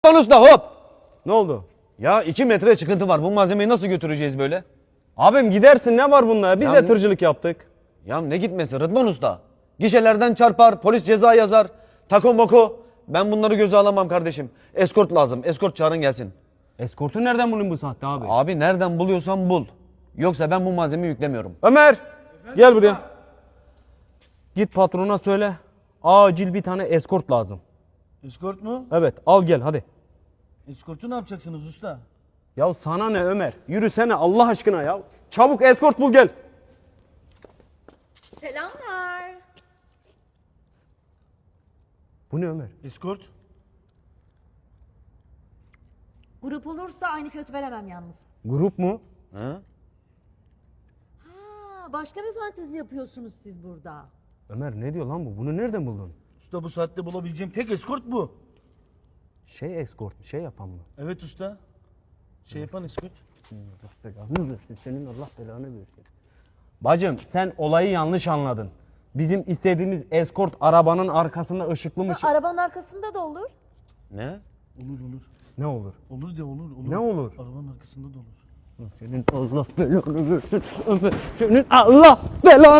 Usta hop. Ne oldu? Ya 2 metre çıkıntı var. Bu malzemeyi nasıl götüreceğiz böyle? Abim gidersin, ne var bunda? Biz Ya de ne- tırcılık yaptık. Ya ne gitmesi Rıdvan Usta? Gişelerden çarpar, polis ceza yazar. Tako moko. Ben bunları göze alamam kardeşim. Eskort lazım. Eskort çağırın gelsin. Eskortu nereden bulayım bu saatte abi? Abi nereden buluyorsan bul. Yoksa ben bu malzemeyi yüklemiyorum. Ömer, gel buraya. Git patrona söyle. Acil bir tane eskort lazım. Eskort mu? Evet, al gel hadi. Eskortu ne yapacaksınız usta? Ya sana ne Ömer? Yürüsene Allah aşkına ya. Çabuk eskort bul gel. Selamlar. Bu ne Ömer? Eskort? Grup olursa aynı fiyatı veremem yalnız. Grup mu? Ha? Ha, başka bir fantezi yapıyorsunuz siz burada. Ömer ne diyor lan bu? Bunu nereden buldun? Usta bu saatte bulabileceğim tek eskort bu. Şey eskort, şey yapan mı? Evet usta. Şey yapan eskort. Allah belanı versin. Senin Allah belanı versin. Bacım sen olayı yanlış anladın. Bizim istediğimiz eskort arabanın arkasında ışıklı mı? Arabanın arkasında da olur. Ne? Olur olur. Ne olur? Olur de olur. Ne olur? Arabanın arkasında da olur. Senin Allah belanı versin. Ömer senin Allah belanı